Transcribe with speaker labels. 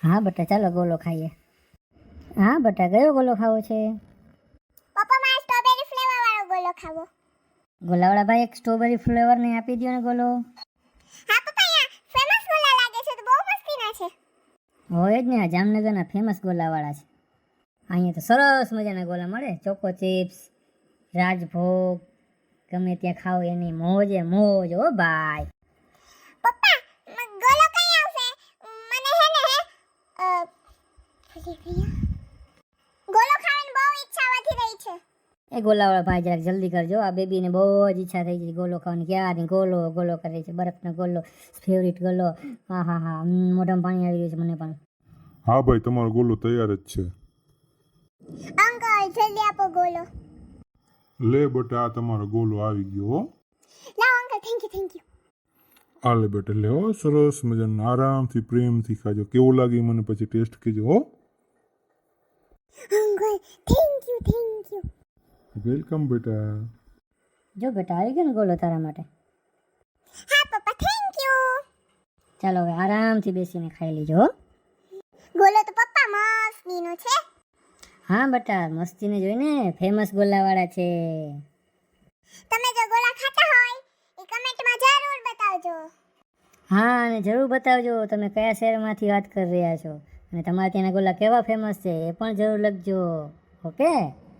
Speaker 1: હા બેટા ચાલો ગોલો ખાઈએ. હા બેટા કયો ગોલો ખાવો છે?
Speaker 2: પપ્પા મારે સ્ટ્રોબેરી ફ્લેવર વાળો ગોલો ખાવો.
Speaker 1: ગોલાવાળા ભાઈ એક સ્ટ્રોબેરી ફ્લેવર ને આપી દો ને ગોલો.
Speaker 2: હા પપ્પા, અહીંયા ફેમસ ગોલા લાગે છે તો બહુ મસ્તીના છે.
Speaker 1: હોય જ ને, આ જામનગરના ફેમસ ગોલાવાળા છે. અહીંયા તો સરસ મજાના ગોલા મળે. ચોકો ચિપ્સ, રાજભોગ, ગમે ત્યાં ખાઓ એની મોજે મોજ હો ભાઈ.
Speaker 2: પપ્પા ગોલો કઈ આવશે? મને હે ને ગોલો ખાવાની બહુ ઈચ્છા વધી રહી છે.
Speaker 1: એ ગોલાવાળા ભાઈ જરાક જલ્દી કરજો, આ બેબીને બહુ જ ઈચ્છા થઈ ગઈ ગોલો ખાવાની. ક્યારની ગોલો ગોલો કરે છે, બરફનો ગોલો, ફેવરિટ ગોલો. હા હા હા, મોઢામાં પાણી આવી રહ્યું છે મને પણ.
Speaker 3: હા ભાઈ, તમારો ગોલો તૈયાર જ છે.
Speaker 2: અંકલ જલ્દી આપો ગોલો.
Speaker 3: લે બેટા, આ તમારો ગોલો આવી ગયો હો.
Speaker 2: લાવ અંકલ, થેન્ક યુ.
Speaker 3: આ લે બેટા, લે હો, સરસ મજાનું આરામથી પ્રેમથી ખાજો. કેવું લાગે મને પછી ટેસ્ટ કહેજો હો.
Speaker 2: Uncle thank you.
Speaker 3: વેલકમ બેટા.
Speaker 1: જો બેટા આવી ગયો ને ગોલો તારા માટે.
Speaker 2: હા પપ્પા, થેન્ક યુ.
Speaker 1: ચાલો હવે આરામથી બેસીને ખાઈ લીજો હો.
Speaker 2: ગોલો તો પપ્પા મસ્તીનો છે.
Speaker 1: હા બેટા, મસ્તીને જોઈને ફેમસ ગોલાવાળા છે.
Speaker 2: તમે જો ગોલા ખાતા હોય એ કમેન્ટમાં જરૂર બતાવજો.
Speaker 1: હા, અને જરૂર બતાવજો તમે કયા શહેરમાંથી વાત કરી રહ્યા છો અને તમારા ત્યાંના ગોલા કેવા ફેમસ છે એ પણ જરૂર લખજો. ઓકે.